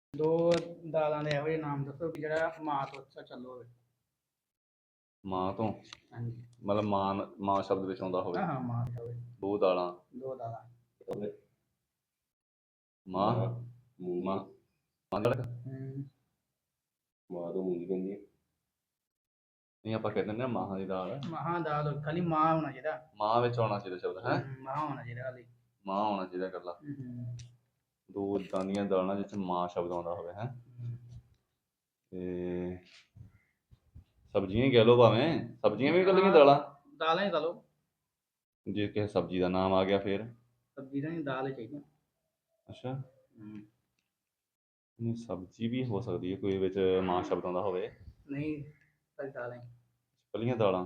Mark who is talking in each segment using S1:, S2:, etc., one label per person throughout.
S1: ਦੋ ਦਾਲਾਂ ਦੇ ਇਹੋ ਜਿਹੇ ਨਾਮ ਦੱਸੋ ਵੀ ਜਿਹੜਾ ਮਾਂ ਤੋਂ ਅੱਛਾ ਚੱਲੋ ਹੋਵੇ।
S2: ਮਾਂ ਤੋਂ
S1: ਹਾਂਜੀ
S2: ਮਤਲਬ ਮਾਂ ਸ਼ਬਦ ਵਿੱਚ ਆਉਂਦਾ ਹੋਵੇ।
S1: ਹਾਂ ਮਾਂ ਤੋਂ ਹੋਵੇ।
S2: ਦੋ ਦਾਲਾਂ
S1: ਦੋ ਦਾਲਾਂ
S2: ਮਾਂ ਮਾਂ ਮਾਂ ਦਾ
S3: ਮਾਂ ਤੋਂ ਮੂੰਗੀ ਪੈਂਦੀ ਹੈ।
S2: ਨਹੀਂ ਆਪਾਂ ਕਹਿੰਦੇ ਨੇ ਮਾਹਾਂ ਦੀ ਦਾਲ।
S1: ਮਹਾਂ ਦਾਲ ਖਾਲੀ ਮਾਂ ਹੋਣਾ ਚਾਹੀਦਾ।
S2: ਮਾਂ ਵਿੱਚ ਆਉਣਾ ਚਾਹੀਦਾ ਸ਼ਬਦ ਹੈ।
S1: ਮਾਂ ਹੋਣਾ ਚਾਹੀਦਾ ਖਾਲੀ।
S2: ਮਾਂ ਹੋਣਾ ਚਾਹੀਦਾ ਇਕੱਲਾ। ਦੋ ਇਦਾਂ ਦੀਆਂ ਦਾਲਾਂ ਜਿਸ 'ਚ ਮਾਂ ਸ਼ਬਦ ਆਉਂਦਾ ਹੋਵੇ ਹੈ। ਤੇ ਸਬਜ਼ੀਆਂ ਹੀ ਕਹਿ ਲਓ ਭਾਵੇਂ ਸਬਜ਼ੀਆਂ ਵੀ ਇਕੱਲੀਆਂ
S1: ਦਾਲਾਂ ਹੀ ਖਾ ਲਓ।
S2: ਜੇ ਕਿਸੇ ਸਬਜ਼ੀ ਦਾ ਨਾਮ ਆ ਗਿਆ ਫਿਰ
S1: ਸਬਜ਼ੀ ਦਾ ਨਹੀਂ ਦਾਲ ਹੀ ਚਾਹੀਦੀ।
S2: ਅੱਛਾ ਨਹੀਂ ਸਬਜ਼ੀ ਵੀ ਹੋ ਸਕਦੀ ਹੈ ਕੋਈ ਵਿੱਚ ਮਾਂ ਸ਼ਬਦ ਆਉਂਦਾ ਹੋਵੇ।
S1: ਨਹੀਂ ਸਾਰੀ ਦਾਲਾਂ ਹੀ
S2: ਇਕੱਲੀਆਂ ਦਾਲਾਂ।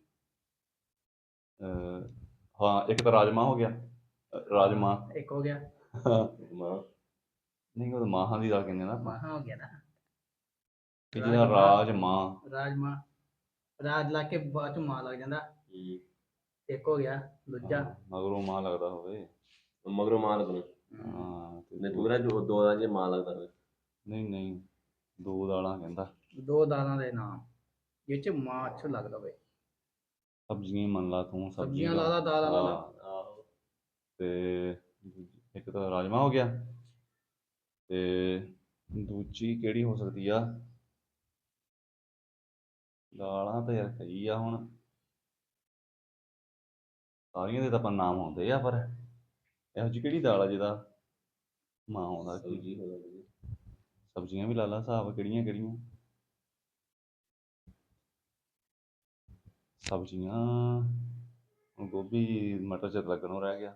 S2: ਹਾਂ ਇੱਕ ਤਾਂ ਰਾਜਮਾਂਹ ਹੋ ਗਿਆ। ਰਾਜਮਾਂਹ
S1: ਇੱਕ ਹੋ ਗਿਆ।
S2: ਮਾਂ ਨਹੀਂ ਉਹ ਮਾਹਾਂ ਦੀ ਦਾਲ ਕਹਿੰਦੇ ਨਾ ਆਪਾਂ।
S1: ਮਾਹਾਂ ਹੋ ਗਿਆ ਨਾ।
S2: ਜਿਹਦਾ ਰਾਜਮਾਂਹ
S1: ਰਾਜ ਲਾ ਕੇ ਬਾਅਦ ਚ ਮਾਂ ਲੱਗ ਜਾਂਦਾ। ਇੱਕ ਹੋ ਗਿਆ ਦੂਜਾ
S2: ਮਗਰੋਂ ਮਾਂ ਲੱਗਦਾ ਹੋਵੇ।
S3: ਮਗਰੋਂ ਮਾਂ ਲੱਗਣਾ।
S2: ਹਾਂ
S3: ਨਹੀਂ ਪੂਰਾ ਦੋ ਦਾਲਾਂ ਜੇ ਮਾਂ ਲੱਗਦਾ ਹੋਵੇ।
S2: ਨਹੀਂ ਦੋ ਦਾਲਾਂ ਕਹਿੰਦਾ।
S1: ਦੋ ਦਾਲਾਂ ਦੇ ਨਾਮ ਜਿਹ ਚ ਮਾਂ ਅੱਛਾ ਲੱਗਦਾ ਹੋਵੇ।
S2: ਸਬਜ਼ੀਆਂ ਮੰਨ ਲਾ ਤੂੰ
S1: ਸਬਜ਼ੀਆਂ ਲਾ ਲਾ ਦਾਲਾਂ ਲਾ ਲਾ।
S2: ਤੇ ਇੱਕ ਤਾਂ ਰਾਜਮਾਂਹ ਹੋ ਗਿਆ ਤੇ ਦੂਜੀ ਕਿਹੜੀ ਹੋ ਸਕਦੀ ਆ। ਦਾਲਾਂ ਤਾਂ ਯਾਰ ਕਈ ਆ ਹੁਣ ਸਾਰੀਆਂ ਦੇ ਤਾਂ ਆਪਾਂ ਨਾਮ ਆਉਂਦੇ ਆ ਪਰ ਇਹੋ ਜਿਹੀ ਕਿਹੜੀ ਦਾਲ ਆ ਜਿਹਦਾ ਮਾਂ ਆਉਂਦਾ। ਸਬਜ਼ੀਆਂ ਵੀ ਲਾ ਲਾ ਹਿਸਾਬ ਕਿਹੜੀਆਂ ਸਬਜ਼ੀਆਂ ਗੋਭੀ ਮਟਰ ਚ ਲੱਗਣੋਂ ਰਹਿ ਗਿਆ।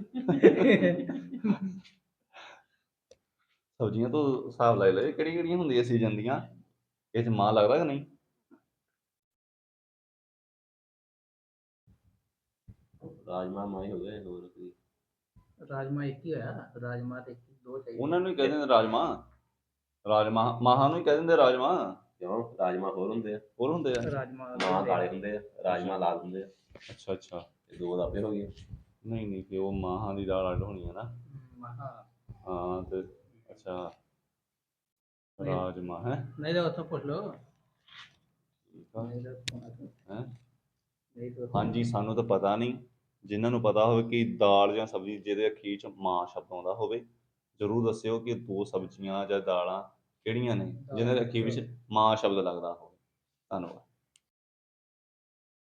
S2: ਸਬਜ਼ੀਆਂ ਤੋਂ ਹਿਸਾਬ ਲੈ ਲਏ ਕਿਹੜੀਆਂ ਹੁੰਦੀਆਂ ਸੀਜ਼ਨ ਦੀਆਂ ਇਹ 'ਚ ਮਾਂ ਲੱਗਦਾ ਕਿ ਨਹੀਂ।
S3: ਰਾਜਮਾਂਹ ਮਾਂ ਹੀ ਹੋ ਗਏ ਹੋਰ ਕੀ।
S1: ਰਾਜਮਾ ਇੱਕ ਹੀ ਹੋਇਆ। ਰਾਜਮਾ ਤੇ ਦੋ ਚਾਹੀਦੇ।
S2: ਉਹਨਾਂ ਨੂੰ ਹੀ ਕਹਿ ਦਿੰਦੇ ਰਾਜਮਾਂਹ ਮਾਹਾਂ ਨੂੰ ਹੀ ਕਹਿ ਦਿੰਦੇ ਰਾਜਮਾਂਹ।
S3: ਕਿਉਂ ਰਾਜਮਾਂਹ ਹੋਰ ਹੁੰਦੇ ਆ।
S1: ਰਾਜਮਾ
S3: ਮਾਂ ਕਾਲੇ ਹੁੰਦੇ ਆ ਰਾਜਮਾਂਹ ਲਾਲ ਹੁੰਦੇ ਆ।
S2: ਅੱਛਾ
S3: ਇਹ ਦੋ ਦਾਪੇ ਹੋ ਗਏ।
S2: ਨਹੀਂ ਕਿ ਉਹ ਮਾਹਾਂ ਦੀ ਦਾਲ ਅੱਡ ਹੋਣੀ ਹੈ ਨਾ। ਹਾਂ ਤੇ ਅੱਛਾ ਰਾਜਮਾਂਹ ਹੈ।
S1: ਨਹੀਂ ਤਾਂ ਉੱਥੋਂ ਪੁੱਛ ਲਓ।
S2: ਹਾਂਜੀ ਸਾਨੂੰ ਤਾਂ ਪਤਾ ਨਹੀਂ। ਜਿਨ੍ਹਾਂ ਨੂੰ ਪਤਾ ਹੋਵੇ ਕਿ ਦਾਲ ਜਾਂ ਸਬਜ਼ੀ ਜਿਹਦੇ ਅਖੀਰ 'ਚ ਮਾਂ ਸ਼ਬਦ ਆਉਂਦਾ ਹੋਵੇ ਜ਼ਰੂਰ ਦੱਸਿਓ ਕਿ ਦੋ ਸਬਜ਼ੀਆਂ ਜਾਂ ਦਾਲਾਂ ਕਿਹੜੀਆਂ ਨੇ ਜਿਹਨਾਂ ਦੇ ਅਖੀਰ ਵਿੱਚ ਮਾਂ ਸ਼ਬਦ ਲੱਗਦਾ ਹੋਵੇ। ਧੰਨਵਾਦ।